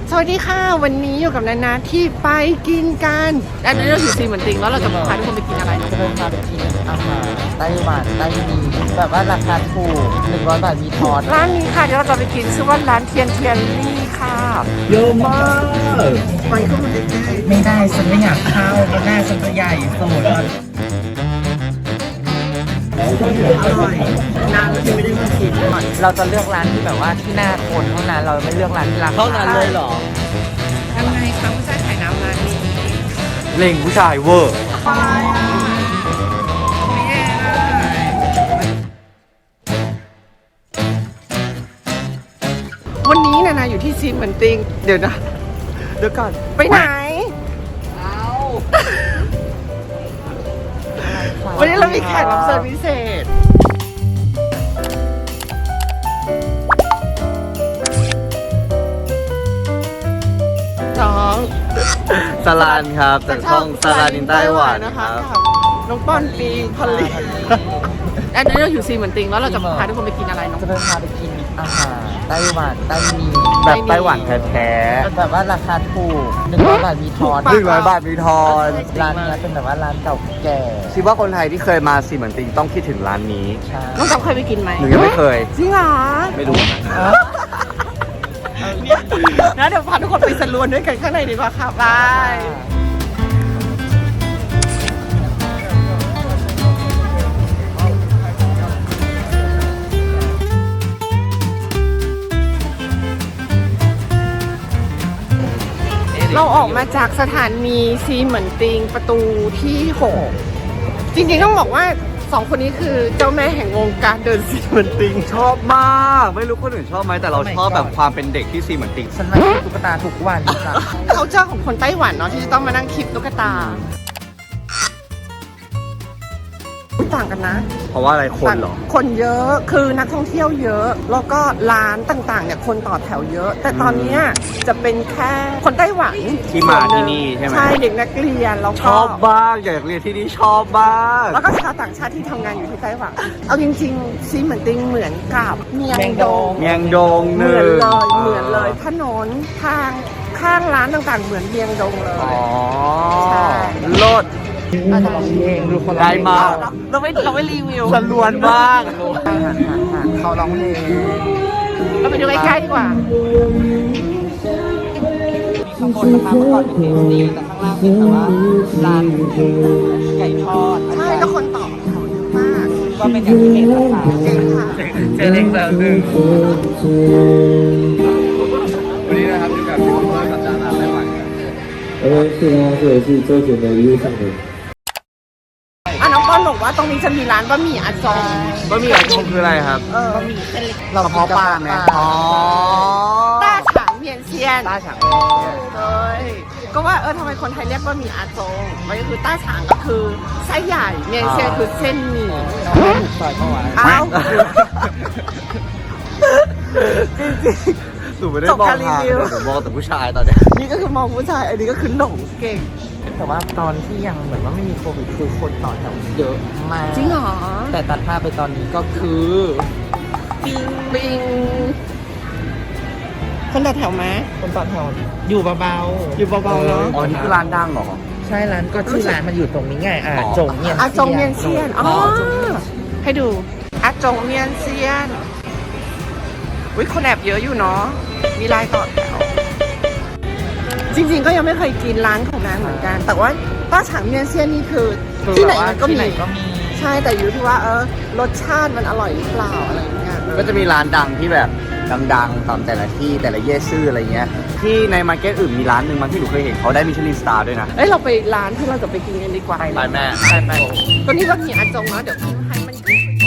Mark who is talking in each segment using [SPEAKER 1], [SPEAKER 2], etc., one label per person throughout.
[SPEAKER 1] สวัสดีค่ะวันนี้อยู่กับนานาที่ไปกินกันอันนี้เราอยู่ซีเหมือนติงแล้วเราจะพาทุกคนไปกินอะไร
[SPEAKER 2] จะพาไปกินอาหารไต้หวันไต้หมีแบบว่าราคาถูก100 บาทมีทอด
[SPEAKER 1] ร้านนี้ค่ะเดี๋ยวเราจะไปกินชื่อว่าร้านเทียนลี่ค่ะ
[SPEAKER 3] เยอะมาก
[SPEAKER 1] ไปเข้ามาได้
[SPEAKER 2] ไม่ได้ฉันไม่อยากเข้าเพราะหน้าฉันจะใหญ่สุด
[SPEAKER 1] อร่อยนานที่ไม่ได้มากิน
[SPEAKER 2] เราจะเลือกร้านที่แบบว่าที่หน้าคนเท่านั้นเราไม่เลือกร้านที่ราคา
[SPEAKER 3] เท่านั้นเลยเหรอ
[SPEAKER 1] ทำไงคะผู้ชายขายน้ำร้านนี้
[SPEAKER 3] เล่งผู้ชายเวอร์
[SPEAKER 1] วันนี้นานาอยู่ที่ซีเหมือนติงเดี๋ยวก่อนไปไหนวันนี้เรามีแขกรับเชิญพิเศษน้อง
[SPEAKER 3] สลันครับจากช่องสลันอินไต้หวัน
[SPEAKER 1] นะคะน้องป้อนปีพอลลี่อันนี้เราอยู่ซีเหมือนติงแล้วเราจะพาทุกคนไปกินอะไรน้อง
[SPEAKER 2] จะพาไปกินอาหารไต้หวันไต้หมี
[SPEAKER 3] แบบไต้หวันแท้
[SPEAKER 2] ๆแบบว่าราคาถูก100 บาทมีทอด
[SPEAKER 3] 100 บาทมีทอน
[SPEAKER 2] ร้านนี้เป็นแบบว่าร้านเก่าแก่
[SPEAKER 3] คิดว่าคนไทยที่เคยมาซีเหมือนติงต้องคิดถึงร้านนี้
[SPEAKER 1] น้องจำเคยไปกินไหม
[SPEAKER 3] หนูยังไม่เคย
[SPEAKER 1] จริงเหรอ
[SPEAKER 3] ไม่รู้
[SPEAKER 1] นะเดี๋ยวพาทุกคนไปสรวนด้วยกันข้างในดีกว่าค่ะบายเราออกมาจากสถานีซีเหมือนติงประตูที่6จริงๆต้องบอกว่า2คนนี้คือเจ้าแม่แห่งวงการเดินซีเหมือนติง
[SPEAKER 3] ชอบมากไม่รู้คนอื่นชอบไหมแต่เราชอบแบบความเป็นเด็กที่ซีเหมือนติง
[SPEAKER 2] ฉันมาตุ๊กตาทุกวันจ้ะ
[SPEAKER 1] เขาเจ้าของคนไต้หวันเนาะที่จะต้องมานั่งคลิปตุ๊กตาต่างกันนะ
[SPEAKER 3] เพราะว่าอะไรคนเหรอ
[SPEAKER 1] คนเยอะคือนักท่องเที่ยวเยอะแล้วก็ร้านต่างๆเนี่ยคนต่อแถวเยอะแต่ตอนนี้จะเป็นแค่คนไต้หวัน
[SPEAKER 3] ที่มาที่นี่ใช่ไหม
[SPEAKER 1] ใช่เด็กนักเรียนแล้วก็
[SPEAKER 3] ชอบบ้างอยากเรียนที่นี่ชอบบ้าง
[SPEAKER 1] แล้วก็ชาวต่างชาติที่ทำงานอยู่ที่ไต้หวันเอาจริงๆซีเหมือนติงเหมือนกับเมียงดงเหมือนเลยถนนทางข้างร้านต่างๆเหมือนเมียงดงเลย
[SPEAKER 3] อ๋อใช่รถ
[SPEAKER 2] ดูคน
[SPEAKER 3] ได้มาก
[SPEAKER 1] เราไม่รีวิว
[SPEAKER 3] สลวนมาก
[SPEAKER 2] เขาร้องเพลง
[SPEAKER 1] เราไปดูใกล้ๆดีกว่า
[SPEAKER 2] ข้างบนนะคะเมื่อก่อนเป็นเทสตีแต่ข้างล่างเป็นแบบว่าร้านไก่ทอด
[SPEAKER 1] ใช่แล้วคนต่อแถวเยอะมาก
[SPEAKER 2] ก็เป็นอย่างที่เห็นนะคะ
[SPEAKER 3] เจอเล็กแล้วหนึ่งวันนี้นะครับอยู่กับพี่เพื่อนกับจานาไต้หวัน
[SPEAKER 4] 是啊，这也是周杰伦的一个上人。
[SPEAKER 1] น้องป้อนบอกว่าตรงนี้จะมีร้านบะหมี่อาจง
[SPEAKER 3] บะหมี่อาจงคืออะไรครับ
[SPEAKER 1] บะหมี่เส้นเล็ก
[SPEAKER 2] เราเพาะปลาไง
[SPEAKER 3] อ๋อ
[SPEAKER 1] ต้าฉางเมียนเซียนเลยก็ว่าทำไมคนไทยเรียกบะหมี่อาจงมันก็คือต้าฉางก็คือไส้ใหญ่เมียนเซียนคือเส้นหมี่
[SPEAKER 2] ซอยเข้าไว้
[SPEAKER 3] หนูไม่ได้มองทางหนูมองแต่ผู้ชายตอนนี้
[SPEAKER 1] นี่ก็คือมองผู้ชายอันนี้ก็คือหลงเก่ง
[SPEAKER 2] แต่ว่าตอนที่ยังเหมือนว่าไม่มีโควิดคือคนต่อแถวเยอะมาก
[SPEAKER 1] จริงเหรอ
[SPEAKER 2] แต่ตัดภาพไปตอนนี้ก็คือ
[SPEAKER 1] ปิงคนต่อแถวไหม
[SPEAKER 2] คนต่อแถวอยู่เบา
[SPEAKER 1] ๆเนาะ
[SPEAKER 3] อ๋อนี่คือร้านดังเหรอ
[SPEAKER 2] ใช่ร้านก็ชื่อร้านมันอยู่ตรงนี้ไงจงเมีย
[SPEAKER 1] นเซียนอ๋อให้ดูอาจงเมียนเซียนคนแอบเยอะอยู่เนาะมีลายต่อแถวจริงๆก็ยังไม่เคยกินร้านของนางเหมือนกันแต่ว่าต้าฉางเมียนเซียนนี่คือที่ไหนมันก็มีใช่แต่อยู่ที่ว่ารสชาติมันอร่อยหรือเปล่าอะไรอย่างเงี้ย
[SPEAKER 3] ก็จะมีร้านดังที่แบบดังๆตามแต่ละที่แต่ละเย่ซื่ออะไรเงี้ยที่ในมาร์เก็ตอื่นมีร้านหนึ่งมาที่หนูเคยเห็นเขาได้มิชลินสตาร์ด้วยนะ
[SPEAKER 1] เราไปร้านที่เราจะไปกินกันดีกว่า
[SPEAKER 3] ไปแม่ไป
[SPEAKER 1] ตัวนี้ก็มีอาจงเนาะเดี๋ยวให้มัน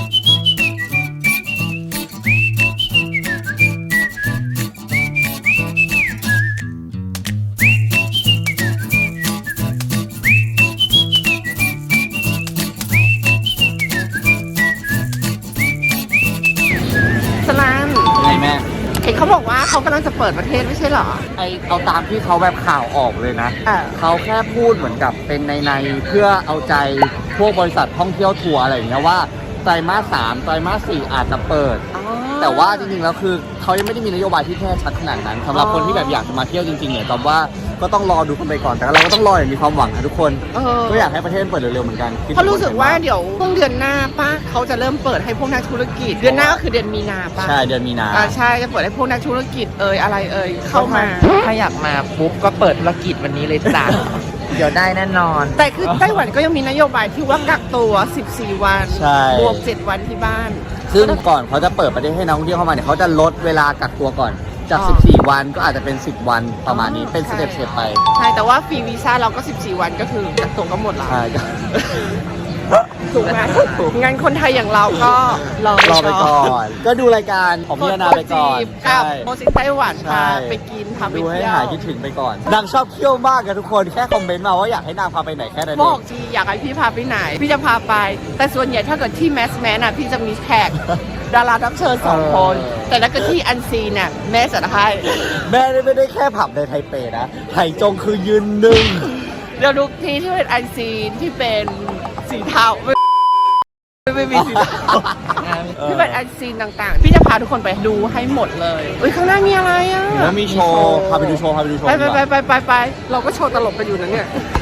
[SPEAKER 1] เขาบอกว่าเขากำลังจะเปิดประเทศไม่ใช่เหรอ
[SPEAKER 3] เอาตามที่เขาแบบข่าวออกเลยนะเขาแค่พูดเหมือนกับเป็นในเพื่อเอาใจพวกบริษัทท่องเที่ยวทัวร์อะไรอย่างเงี้ยว่าไตรมาส 3ไตรมาส 4อาจจะเปิดแต่ว่าจริงๆแล้วคือเขายังไม่ได้มีนโยบายที่แน่ชัดขนาดนั้นสำหรับคนที่แบบอยากจะมาเที่ยวจริงๆเนี่ยตอบว่าก็ต้องรอดูกันไปก่อนแต่เราก็ต้องรออย่างมีความหวังนะทุกคน ก็อยากให้ประเทศเปิดเร็วๆเหมือนกัน
[SPEAKER 1] เพราะรู้สึกว่าเดี๋ยวช่วงเดือนหน้าป้าเขาจะเริ่มเปิดให้พวกนักธุรกิจ เดือนหน้าก็คือเดือนมีนาป้า
[SPEAKER 3] ใช่เดือนมีนา
[SPEAKER 1] ใช่จะเปิดให้พวกนักธุรกิจอะไรเข้ามา
[SPEAKER 2] ถ้าอยากมาปุ๊บก็เปิดธุรกิจวันนี้เลยจ้ะ เดี๋ยวได้แน่นอน
[SPEAKER 1] แต่คือไต้หวันก็ยังมีนโยบายที่ว่ากักตัว 14 วัน
[SPEAKER 3] ใช่
[SPEAKER 1] บวก 7 วันที่บ้าน
[SPEAKER 3] ซึ่งก่อนเขาจะเปิดประเทศให้นักท่องเที่ยวเข้ามาเนี่ยเขาจะลดเวลากักตัวก่อนจาก
[SPEAKER 1] อ๋อ
[SPEAKER 3] 14 วันก็อาจจะเป็น 10 วันประมาณนี้เป็นสเต็ปๆไป
[SPEAKER 1] ใช่ แต่ว่าฟรีวีซ่าเราก็ 14 วันก็คือกักตัวก็หมดแล้ว
[SPEAKER 3] ใช่ก็
[SPEAKER 1] ถูกไหมงั้นคนไทยอย่างเราก็รอ
[SPEAKER 3] รอไปก่อน ก็ดูรายการของพี่นาไปก่อน
[SPEAKER 1] กับ
[SPEAKER 3] ใช่
[SPEAKER 1] โมซิไต้หวัน
[SPEAKER 3] ใช่
[SPEAKER 1] พาไปกินพาไป
[SPEAKER 3] ดูให้
[SPEAKER 1] เที่ยว
[SPEAKER 3] หายคิดถึงไปก่อนนางชอบเที่ยวมากกันทุกคนแค่คอมเมนต์มาว่าอยากให้นางพาไปไหนแค่นั้น
[SPEAKER 1] บ
[SPEAKER 3] เอ
[SPEAKER 1] อง กทีอยากให้พี่พาไปไหน พี่จะพาไป แต่ส่วนใหญ่ถ้าเกิดที่แมสน่ะพี่จะมีแขกดารารับเชิญ2 คน แต่ถ้าเกิดที่อันซีนน่ะแม่จะให้
[SPEAKER 3] แม่ไม่ได้แค่ผับในไทเปนะไห่จงคือยืนหนึ่ง
[SPEAKER 1] เดี๋ยวดูที่เป็นอันซีนที่เป็นสีเทาไม่มีสีเทาที่เป็นอันซีนต่างๆ พี่จะพาทุกคนไปดูให้หมดเลยอุ้ยข้างหน้ามีอะไรอ่ะ
[SPEAKER 3] แล้วมีโชว์พาไปดูโชว์
[SPEAKER 1] ไป
[SPEAKER 3] ดีกว่า
[SPEAKER 1] ไปเราก็โชว์ตลกกันอยู่นะเนี่ย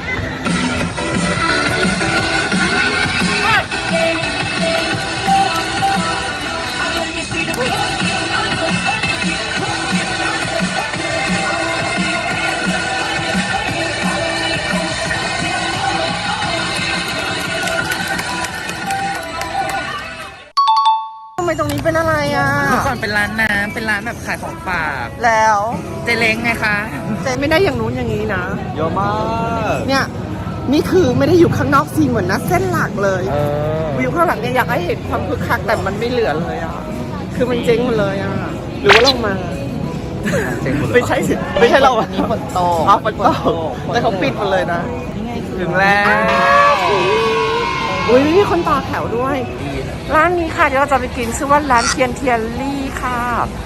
[SPEAKER 1] ทำไมตรงนี้เป็นอะไรอ่ะ
[SPEAKER 2] เมื่อก่อนเป็นร้านน้ำเป็นร้านแบบขายของฝาก
[SPEAKER 1] แล้ว
[SPEAKER 2] เจเล้งไงคะ
[SPEAKER 1] แต่ไม่ได้อย่างนู้นอย่างนี้นะ
[SPEAKER 3] เยอะมาก
[SPEAKER 1] เนี่ยนี่คือไม่ได้อยู่ข้างนอกซีนเหมือนนะเส้นหลักเลย
[SPEAKER 3] เออ
[SPEAKER 1] วิวข้างหลังเนี่ยอยากให้เห็นความคึกคักแต่มันไม่เหลือเลยอ่ะคือมันเจ๊งหมดเลยอ่ะหรือว่าเรามา
[SPEAKER 3] เจ๋งหมดเลย
[SPEAKER 1] ไม่ใช่สิไม่ใช่เรา
[SPEAKER 2] วันนี้ฝนตก
[SPEAKER 1] อ๋อฝนตกแต่เขาปิดหมดเลยนะ
[SPEAKER 3] ถึงแล้ว
[SPEAKER 1] อุ้ยมีคนต่อแถวด้วย ร้านนี้ค่ะเดี๋ยวเราจะไปกินชื่อว่าร้านเทียนเทียนลี่ค่ะ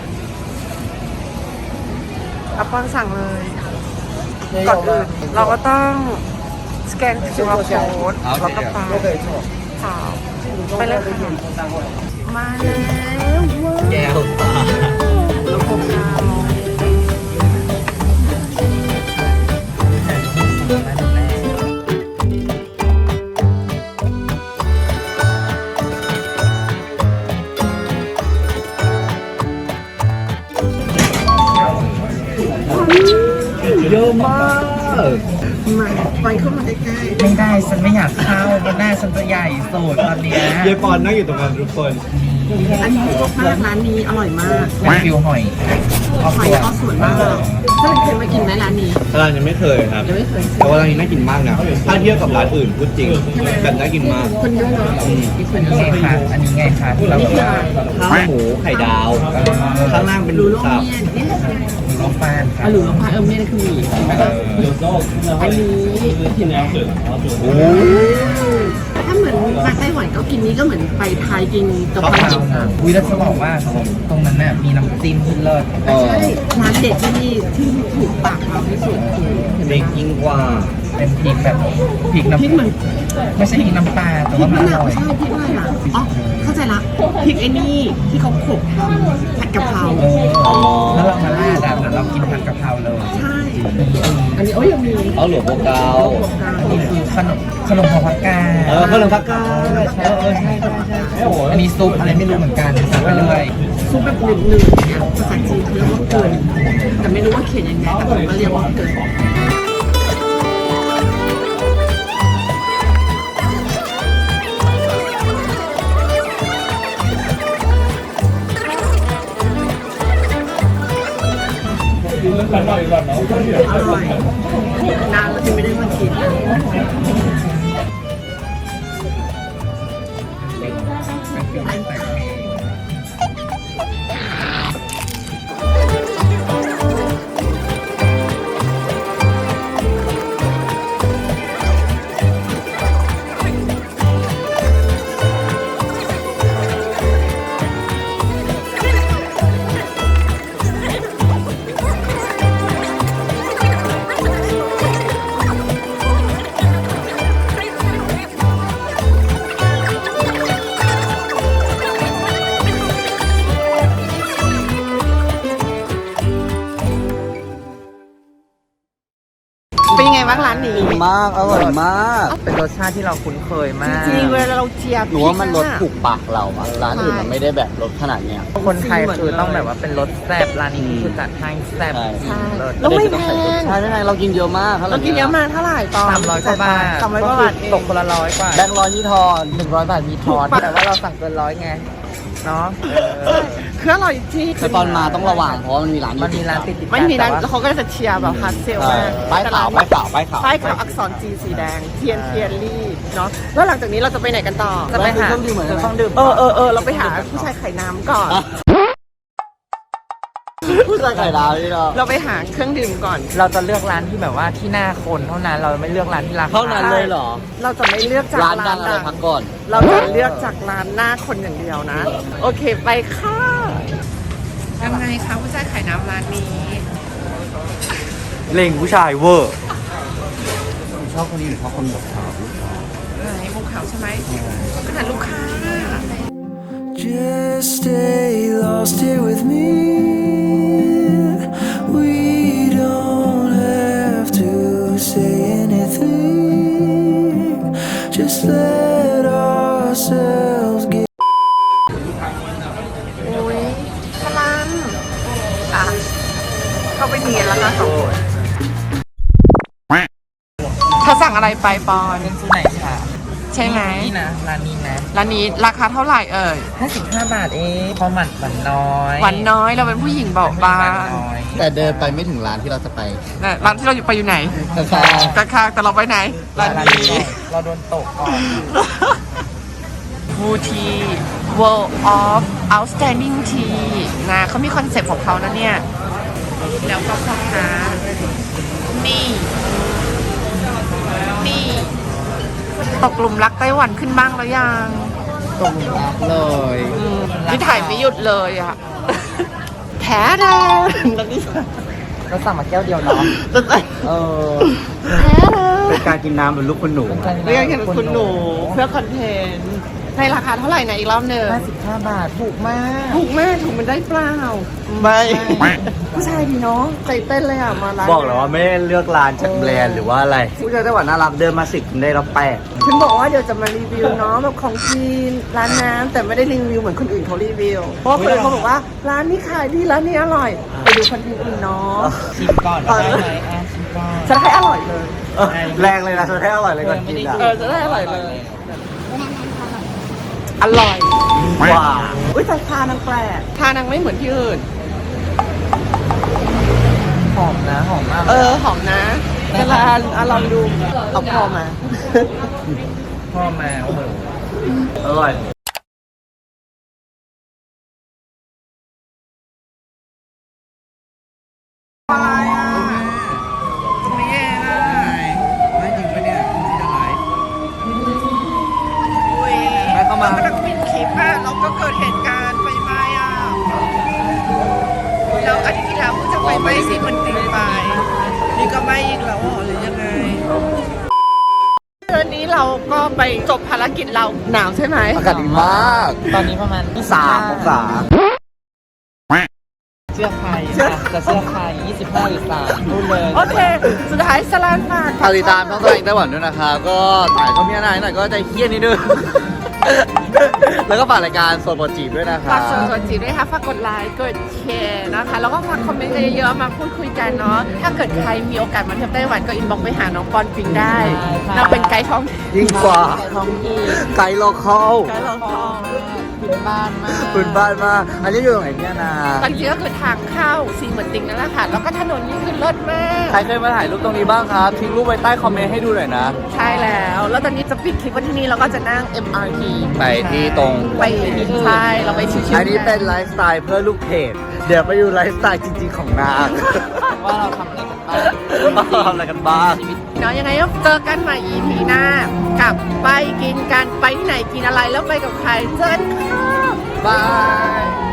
[SPEAKER 1] อัปปอนสั่งเลยก่อนอื่นเราก็ต้องสแกน QR code แล้วก็ไปค่ะไปเลยค่ะมาแล้วว้าว
[SPEAKER 3] แก้วตา
[SPEAKER 1] แล้วพบกัน
[SPEAKER 3] เยอะมาก
[SPEAKER 1] มาไปเข้ามาใกล้
[SPEAKER 2] ไม่ได้ฉันไม่อยากเข้าเพราะหน้าฉันจะใหญ่สุดตอนเนี้ย
[SPEAKER 3] เยปอนนั่งอยู่ตรงนั้นทุกคน
[SPEAKER 1] ๆอันนี้ชอบมากร้านนี้อร่อยมาก
[SPEAKER 2] เป็นฟิวหอยออก
[SPEAKER 1] หอย
[SPEAKER 2] ตัว
[SPEAKER 1] ก็สวยมากถ้าเคยมากินไหมร้านนี้
[SPEAKER 3] ร้านยังไม่เคยครับ
[SPEAKER 1] ยังไม่เคย
[SPEAKER 3] แต่ว่าร้านนี้น่ากินมากนะถ้าเทียบกับร้านอื่นพูดจริงแบบน่ากินมาก
[SPEAKER 1] คนเยอะเนาะมีคนเย
[SPEAKER 2] นี่
[SPEAKER 1] อะ
[SPEAKER 2] ไงคะอันนี้ไงคะที่เราแบบว่า
[SPEAKER 3] ข้าวหมูไข่ดาว ข้างล่างเป็นหมู
[SPEAKER 1] ลูก
[SPEAKER 3] สับ
[SPEAKER 1] เมียนนี่
[SPEAKER 2] หมูล้มฟานค่ะ
[SPEAKER 1] หรือลงพายเมียนคือหมี่อันนี้
[SPEAKER 3] โอ้
[SPEAKER 1] ถ้าเหมือนมาไต้หวันก็กินนี้ก็เหมือนไปไทยกินกะเพ
[SPEAKER 2] ข้าว
[SPEAKER 1] รา
[SPEAKER 2] เปล่าวิแล้วจะบอกว่าตรงนั้นน่ะมีน้ำจิ้มที่เลิศ
[SPEAKER 1] ใช่ร้านเด็ดที่ถูกปากเราที่สุดคือ
[SPEAKER 3] เด็กยิ่งกว่า
[SPEAKER 2] เป็นพริกแบบพริก
[SPEAKER 1] พริก
[SPEAKER 2] น้ำ
[SPEAKER 1] เหมือน
[SPEAKER 2] ไม่ใช่พริกน้ำปลาแต่
[SPEAKER 1] พริ
[SPEAKER 2] ว่าก มัน
[SPEAKER 1] มะ
[SPEAKER 2] อน
[SPEAKER 1] าว
[SPEAKER 2] ร่อย
[SPEAKER 1] ใช่พริกอะไรล่ะอ๋อเข้าใจละพริกไอ้นี่ที่เขาโขลกทำผัดกะเพรา
[SPEAKER 2] แล้วเรามาลาดอ่ะเหมือนเรากินผัดกะเพราเลย
[SPEAKER 1] ใช่ อันนี้โอ้ยยังมี
[SPEAKER 3] เอาหลวงโปเกา
[SPEAKER 2] นี่คือขนมพอพักกา
[SPEAKER 3] ขนมพักกาใช่ใช่
[SPEAKER 2] อันนี้ซุปอะไรไม่รู้เหมือนกันสั่งไปเรื่อย
[SPEAKER 1] ซุปแบบหนึ่งๆเนี่ยภาษาจีนเขาเรียกว่าเกินแต่ไม่รู้ว่าเขียนยังไงแต่ผมก็เรียกว่าเกินอร่อยนานแล้วที่ไม่ได้มากินเป็นยังไงบ้างร้านนี้
[SPEAKER 3] มากอร่อยมาก
[SPEAKER 2] เป็นรสชาติที่เราคุ้นเคยมาก
[SPEAKER 1] จริงๆเวลาเราเจียบ
[SPEAKER 3] หนูว่ามันรสถูกปากเราอะร้านอื่นมันไม่ได้แบบรสขนาดเนี้ย
[SPEAKER 2] คนไทยคือต้องแบบว่าเป็นรสแซ่บร้านนี้คือจัดให้แซ่บ
[SPEAKER 3] ใช่
[SPEAKER 2] เลิศ
[SPEAKER 1] แล้วไม่แพง
[SPEAKER 3] ใช่ไม่แพงเรากินเยอะมาก
[SPEAKER 1] เรากินเยอะมากเท่าไหร่ตอน
[SPEAKER 2] 300 กว่าบาท
[SPEAKER 1] 300 กว่าบาทเอง
[SPEAKER 2] ตกคนละ100 กว่า
[SPEAKER 3] แบงค์ร้อยที่ทอน
[SPEAKER 2] 100 บาทมีทอน
[SPEAKER 1] ถูกปะ
[SPEAKER 2] แต่ว่าเราสั่งเกิน100ไงเนาะ
[SPEAKER 1] คืออร่อยจริง
[SPEAKER 3] แต่ตอนมาต้องระวังเพราะว่ามันมีร้าน
[SPEAKER 2] มันมีร้านติดๆ
[SPEAKER 1] ไม่มีร้าน
[SPEAKER 2] แต่
[SPEAKER 1] แล้ว
[SPEAKER 2] ว่า
[SPEAKER 1] เขาก็จะเชียร์แบบฮาร์ดเซล
[SPEAKER 3] ใช่
[SPEAKER 1] มาก
[SPEAKER 3] ป้ายขาวป้ายขาวป้ายขาว
[SPEAKER 1] ป้ายขาวอักษรจีสีแดงเทียนเทียนรี่เนาะแล้วหลังจากนี้เราจะไปไหนกันต่อ
[SPEAKER 2] จะไปหา
[SPEAKER 3] เครื่องดื่มเหมือนกัน
[SPEAKER 2] เครื่องดื่ม
[SPEAKER 1] เราไปหาผู้ชายไข่น้ำก่อน
[SPEAKER 3] ผู้ชายไข่ดาวนี่เนาะ
[SPEAKER 1] เราไปหาเครื่องดื่มก่อน
[SPEAKER 2] เราจะเลือกร้านที่แบบว่าที่หน้าคนเท่านั้น เราไม่เลือกร้านที่ราคา
[SPEAKER 3] เท่านั้นเลยเหรอ
[SPEAKER 1] เราจะไม่เลือกจาก
[SPEAKER 3] ร้านดังอะไรพักก่อน
[SPEAKER 1] เราจะเลือกจากร้านหน้าคนอย่างเดียวนะ โอเคไปค่ะยังไงคะผู้ชายไข่น้ำร้านนี้
[SPEAKER 3] เล่งผู้ชายเวอร์ชอบคนนี้หรือชอบคนแบบขาว
[SPEAKER 1] ไหนมุกขาวใช่ไหมขนาดลูกค้า
[SPEAKER 5] Just stay lost here with me. We don't have to say anything. Just let ourselves get.
[SPEAKER 1] อุ้ยพลันอ่ะเข้าไปเนียนแล้วนะสองคนเธอสั่งอะไรไปปอน
[SPEAKER 2] เป็นสูไหนคะ
[SPEAKER 1] ใช่ไหม
[SPEAKER 2] นี่นะร้านนี้นะ
[SPEAKER 1] ร้านนี้ราคาเท่าไหร่เอ่ย
[SPEAKER 2] 55 บาทเองพอหวานน้อย
[SPEAKER 1] หวานน้อยเราเป็นผู้หญิงเบาบาง
[SPEAKER 2] น้อย
[SPEAKER 3] แต่เดินไปไม่ถึงร้านที่เราจะไป
[SPEAKER 1] นะร้านที่เราอยู่ไปอยู่ไหน
[SPEAKER 3] ข้าง
[SPEAKER 1] ข้างๆแต่เราไปไหนร้านนี้
[SPEAKER 2] เราโดนตกก่อน
[SPEAKER 1] บูที World of Outstanding Tea นะเขามีคอนเซ็ปต์ของเขานะเนี่ย แล้วก็พ่อค้านี่ นี่ ตกหลุมรักไต้หวันขึ้นบ้างแล้วยัง
[SPEAKER 2] ตกหลุมรักเลย
[SPEAKER 1] นี่ถ่ายไม่หยุดเลยอ่ะ แท้แท้แล้วนี่
[SPEAKER 2] เราสั่งมาแก้วเดียวเนาะ
[SPEAKER 3] เออ
[SPEAKER 1] แท้เลย
[SPEAKER 3] เป็นการกินน้ำเป็นลูกคุณหนู
[SPEAKER 1] เรียกแค่คุณหนูเพื่อคอนเทนต์ในราคาเท่าไหร่นะอีกรอบหนึ่ง
[SPEAKER 2] 55 บาทถูกมาก
[SPEAKER 1] ถูกมากถูกมันได้เปล่า
[SPEAKER 3] ไม่
[SPEAKER 1] ผู้ชายดีเนาะใจเต้นเลยอ่ะมาร้าน
[SPEAKER 3] บอกเลยว่าไม่ได้เลือกร้านจากแบรนด์หรือว่าอะไรผู้ชายไต้หวันน่ารักเดินมา10ได้รับ8
[SPEAKER 1] ฉันบอกว่าเดี๋ยวจะมารีวิวเนาะแบบของกินร้านน้ำแต่ไม่ได้รีวิวเหมือนคนอื่นเขารีวิวเพราะว่าคนอื่นเขาบอกว่าร้านนี้ขายดีร้านนี้อร่อยไปดูคอนเทนต์อื่นเนาะ
[SPEAKER 2] ชิมก่อนได้ไหมชิมก่อน
[SPEAKER 1] จะให้อร่อยเลย
[SPEAKER 3] แรงเลยนะเธอให้อร่อยเลยก่อนกินอ่ะ
[SPEAKER 1] จะได้อร่อยเลย อร่อย
[SPEAKER 3] ว้า
[SPEAKER 1] อุ้ยแต่ทานางแปลกทานางไม่เหมือนที่อื่น
[SPEAKER 2] หอมนะหอมมาก
[SPEAKER 1] หอมนะแต่ละอันลองดูเอาพอมา
[SPEAKER 2] พ่อมาโอ้โห
[SPEAKER 3] อร่อย
[SPEAKER 1] อะไรอ่ะตรงนี้เองอ่ะ
[SPEAKER 2] ไม่จริงปะเนี่ยจริงอะไร
[SPEAKER 1] อุ้ย
[SPEAKER 2] ไปเข้ามา
[SPEAKER 1] รกำลังปิดคลิปอ่ะเราก็เกิดเหตุการณ์ไฟไหม้อ่ะเราอาทิตย์ที่แล้วเพิ่งจะไฟไหม้สิมันติดไปนี่ก็ไหม้อีกแล้วเหรอหรือยังไงวันนี้เราก็ไปจบภารกิจเราหนาวใช่ไหม
[SPEAKER 3] อากาศดีมาก
[SPEAKER 2] ตอนนี้ประมาณ
[SPEAKER 3] 3 องศา
[SPEAKER 2] เสื้อใครจะเสื้อใคร25 หรือ3พูดเลย
[SPEAKER 1] โอเค สุดท้ายสลานฝาก
[SPEAKER 3] ฝากติดตามช่องตัวเองไต้หวันด้วยนะครับก็ถ่ายก็มีอะไรหน่อยก็ใจเคี้ยนนิดนึง แล้วก็ฝากรายการโซนโปรจีบด้วยนะครั
[SPEAKER 1] ฝา
[SPEAKER 3] บ
[SPEAKER 1] กส่วนจีด้วยค่ะฝากกดไลค์กดแชร์นะคะ แล้วก็ฝากคอมเมนต์กันเยอะๆมาพูดคุยกันเนาะถ้าเกิดใครมีโอกาสมาเที่ยวไต้หวันก็อินบ็อกซ์ไปหาน้องปอนปิงได้เราเป็นไกด์ท้องถิ่น
[SPEAKER 3] ยิ่งกว่า
[SPEAKER 2] ท้องที่
[SPEAKER 3] ไกด์โลคอล
[SPEAKER 1] ไกด์เราทอง
[SPEAKER 2] พื้นบ้านมาก
[SPEAKER 3] พื้นบ้านมากอันนี้อยู่ตรงไหนเนี่ยนะ
[SPEAKER 1] ตอนจริงก็คือทางเข้าซีเหมือนติงนั่นแหละค่ะ แล้วก็ถนนนี่คือเลิศมาก
[SPEAKER 3] ใครเคยมาถ่ายรูปตรงนี้บ้างครับทิ้งรูปไว้ใต้คอมเมนต์ให้ดูหน่อยนะ
[SPEAKER 1] ใช่แล้ว แล้วตอนนี้จะปิดคลิปวันที่นี่แล้วก็จะนั่ง MRT
[SPEAKER 3] ไปที่ตรง
[SPEAKER 1] ไปใช่เราไปชิวๆ
[SPEAKER 3] อันนี้เป็นไลฟ์สไตล์เพื่อลูกเพจเดี๋ยวไปดูไลฟ์สไตล์จริงๆของนาง
[SPEAKER 2] ว่าเราทำอะไรกันบ้าง
[SPEAKER 3] ทำอะไรกันบ้าง
[SPEAKER 1] เนาะยังไงก็เจอกันใหม่ EP หน้ากลับไปกินกันไปที่ไหนกินอะไรแล้วไปกับใครเจอกันค่ะ
[SPEAKER 3] บาย